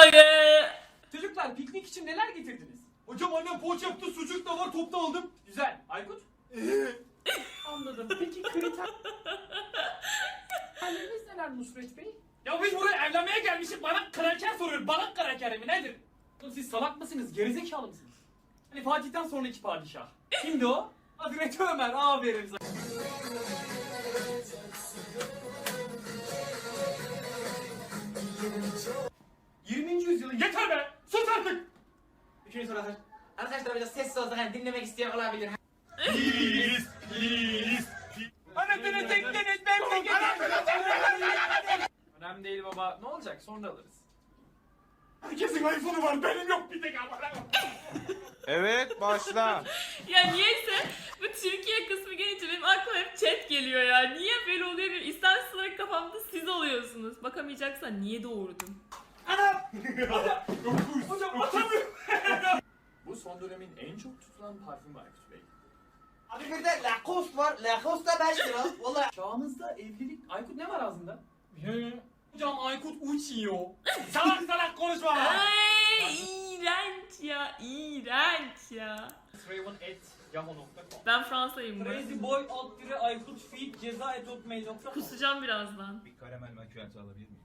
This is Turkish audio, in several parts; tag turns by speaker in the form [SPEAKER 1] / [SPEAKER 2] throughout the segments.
[SPEAKER 1] Çocuklar piknik için neler getirdiniz?
[SPEAKER 2] Hocam annem poğaça yaptı, sucuk da var, topta aldım.
[SPEAKER 1] Güzel. Aykut? Anladım. Peki kriterleriniz neler Nusret Bey? Ya biz buraya evlenmeye gelmişiz. Bana kraker soruyor. Bana kraker mi nedir? Oğlum siz salak mısınız? Gerizekalı mısınız? Hani Fatih'ten sonraki padişah. Kimdi o? Hazreti Ömer. Aferin sana. ...20. yüzyılın... Yeter be! Sus artık!
[SPEAKER 3] Üçüncü soru arkadaşlar biraz sessiz olsak hani dinlemek isteyen olabilir.
[SPEAKER 2] Please.
[SPEAKER 1] Anasını tektiniz ben önemli değil baba. Ne olacak? Sonra alırız.
[SPEAKER 2] Herkesin iPhone'u var, benim yok bir tek ama.
[SPEAKER 4] Evet, başla.
[SPEAKER 5] Ya niyeyse bu Türkiye kısmı gelince benim aklıma hep chat geliyor ya. Niye böyle oluyor bilmiyorum. İstemsiz olarak kafamda siz oluyorsunuz. Bakamayacaksan niye doğurdun?
[SPEAKER 1] Hocam atamıyorum. Bu son dönemin en çok tutulan parfümü Aykut Bey.
[SPEAKER 3] Abi bir de Lacoste var. Lacoste da 5 lira. Vallahi.
[SPEAKER 1] Çağımızda evlilik... Aykut ne var ağzında? Hocam Aykut uçuyor. Salak salak konuşma.
[SPEAKER 5] Ay iğrenç ya. İğrenç ya.
[SPEAKER 1] Raven@yahoo.com
[SPEAKER 5] Ben Fransa'yım bu.
[SPEAKER 1] Crazyboy@aykutfeed.ceza@hotmail.com
[SPEAKER 5] Kusacağım birazdan.
[SPEAKER 4] Bir karamel macchiato alabilir miyim?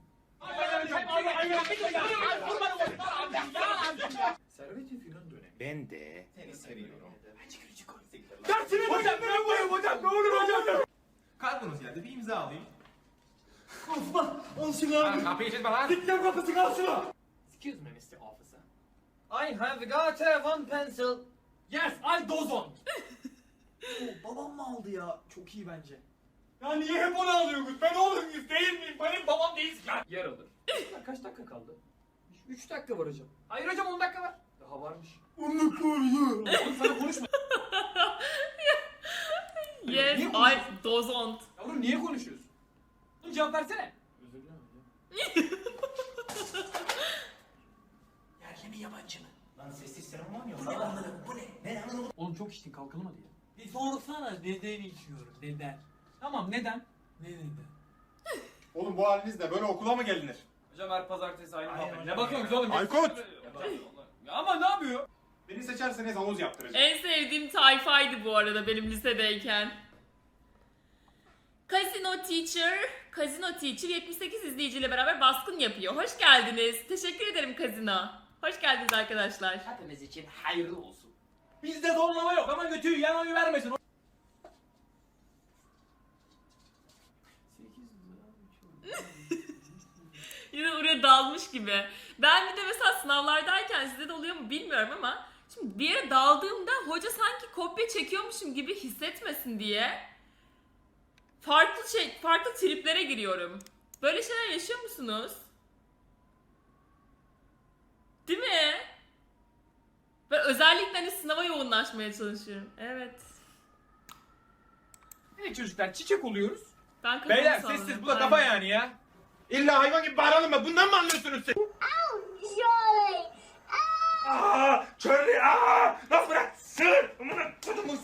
[SPEAKER 1] Servet-i Fünun dönemi.
[SPEAKER 4] Ben de seni seviyorum.
[SPEAKER 2] Dersini hocam, ben buyum hocam, ne olur hocam.
[SPEAKER 4] Kargonuz geldi, bir imza alayım.
[SPEAKER 2] Osman, al şunu abi.
[SPEAKER 4] Kapıyı çekme lan.
[SPEAKER 2] Dikten kapısını al şunu.
[SPEAKER 1] Excuse me Mr. Officer.
[SPEAKER 3] I have got one pencil.
[SPEAKER 1] Yes, I dozon.
[SPEAKER 3] Babam mı aldı ya? Çok iyi bence.
[SPEAKER 2] Ya niye hep onu alıyorsunuz? Ben oğlum muyuz, değil miyim? Benim babam değilsin lan.
[SPEAKER 1] Yer alır. Kaç dakika kaldı? 3 dakika var hocam. Hayır hocam 10 dakika var. Daha varmış.
[SPEAKER 2] Onu koruyor.
[SPEAKER 1] Oğlum sana konuşma.
[SPEAKER 5] Yes,
[SPEAKER 1] Niye
[SPEAKER 5] I dozont.
[SPEAKER 1] Yavrum niye konuşuyorsun? Oğlum cevap versene. Özür dilerim hocam.
[SPEAKER 3] Yerli mi yabancı mı? Lan sessiz serum var mı? Bu ne anladım? Bu ne? Ne anladım?
[SPEAKER 1] Oğlum çok içtin kalkalım hadi ya.
[SPEAKER 3] Bir sorsana neden içiyorum? Neden?
[SPEAKER 1] Tamam neden?
[SPEAKER 3] Ne neden?
[SPEAKER 6] Oğlum bu halinizle böyle okula mı gelinir?
[SPEAKER 1] Hocam her pazartesi aynı
[SPEAKER 3] Aynen
[SPEAKER 1] muhabbet.
[SPEAKER 3] hocam
[SPEAKER 1] Ne bakıyorsunuz oğlum?
[SPEAKER 6] Aykut!
[SPEAKER 1] Ya ama ne yapıyor?
[SPEAKER 6] Beni seçerseniz havuz yaptıracağım.
[SPEAKER 5] En sevdiğim tayfaydı bu arada benim lisedeyken. Casino Teacher 78 izleyiciyle beraber baskın yapıyor. Hoş geldiniz. Teşekkür ederim Casino. Hoş geldiniz arkadaşlar.
[SPEAKER 3] Hepimiz için hayırlı olsun.
[SPEAKER 1] Bizde zorlama yok ama götüyü yan oyu vermesin.
[SPEAKER 5] Yine oraya dalmış gibi. Ben bir de mesela sınavlardayken sizde de oluyor mu bilmiyorum ama şimdi bir yere daldığımda hoca sanki kopya çekiyormuşum gibi hissetmesin diye farklı triplere giriyorum. Böyle şeyler yaşıyor musunuz? Değil mi? Ben özellikle hani sınava yoğunlaşmaya çalışıyorum. Evet.
[SPEAKER 1] Evet çocuklar çiçek oluyoruz.
[SPEAKER 5] Ben kafamı
[SPEAKER 4] Beyler
[SPEAKER 5] salladım.
[SPEAKER 4] sessiz, bu da kafa
[SPEAKER 5] Aynen.
[SPEAKER 4] yani ya. İlla hayvan gibi bağıralım mı? Bundan mı anlıyorsunuz siz? Aaa! Charlie! Aaa! Lan bırak! Sığır! Amına kodumun!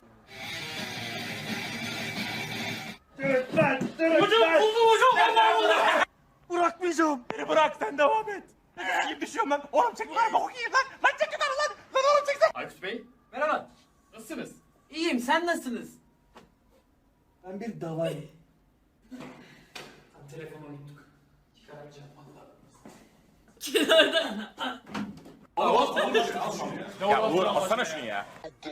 [SPEAKER 1] Hocam buldum hocam. Allah Allah.
[SPEAKER 4] Bırakmayacağım! Beni bırak, sen devam et! Ne gibi düşüyorum lan? Oğlum çek lan, bok yiyeyim lan! Lan çek yukarı lan! Lan oğlum çek sen!
[SPEAKER 1] Aykut Bey merhaba. Nasılsınız?
[SPEAKER 3] İyiyim sen nasılsınız? Ben bir davayım.
[SPEAKER 1] Telefonu unuttuk. Çıkaramayacağım valla.
[SPEAKER 5] Kenarda.
[SPEAKER 4] Ya Uğur, alsana şunu ya!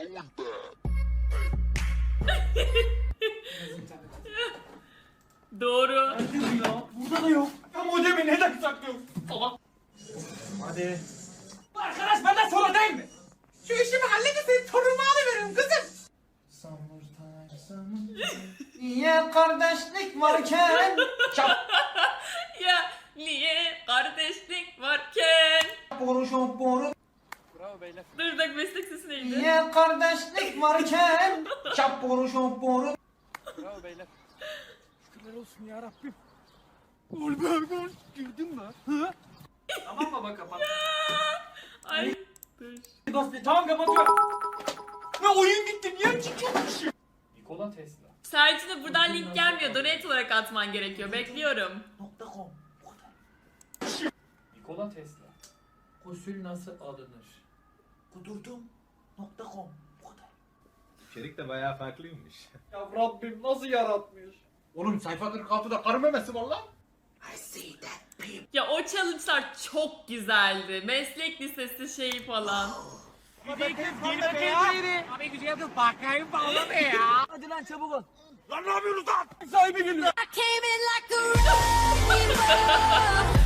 [SPEAKER 5] Doğru.
[SPEAKER 1] Burada da yok. Ya modemi neden saklıyorsun? Salak.
[SPEAKER 3] Hadi.
[SPEAKER 1] Bu arkadaş benden sonra değil mi?
[SPEAKER 3] Şu işimi halledin senin torunumu alıveririm kızım. Niye kardeşlik varken
[SPEAKER 5] Ya niye kardeşlik varken?
[SPEAKER 3] boru boru.
[SPEAKER 5] Dur bak meslek sesi neydi?
[SPEAKER 3] Niye kardeşlik varken çap boru boru.
[SPEAKER 1] Tamam baba kapat.
[SPEAKER 5] Ay dur.
[SPEAKER 1] Tamam kapatıyorum. Ne oyun gitti niye çıkıyormuşum? Nikola Tesla.
[SPEAKER 5] Sercin'e buradan link gelmiyor. Donate olarak atman gerekiyor. Bekliyorum.
[SPEAKER 3] .com.
[SPEAKER 1] Nikola Tesla. Gusül nasıl alınır?
[SPEAKER 3] Kudurdum.com. Bu kadar.
[SPEAKER 4] İçerik de bayağı farklıymış.
[SPEAKER 1] Ya Rabbim nasıl yaratmış?
[SPEAKER 6] Oğlum sayfa 46'da karı memesi var lan.
[SPEAKER 3] I see that people.
[SPEAKER 5] Ya o challenge'lar çok güzeldi. Meslek lisesi şeyi falan.
[SPEAKER 4] Lan ne yapıyorsunuz lan? Sahibi geliyor.
[SPEAKER 7] I came in like a wrecking ball.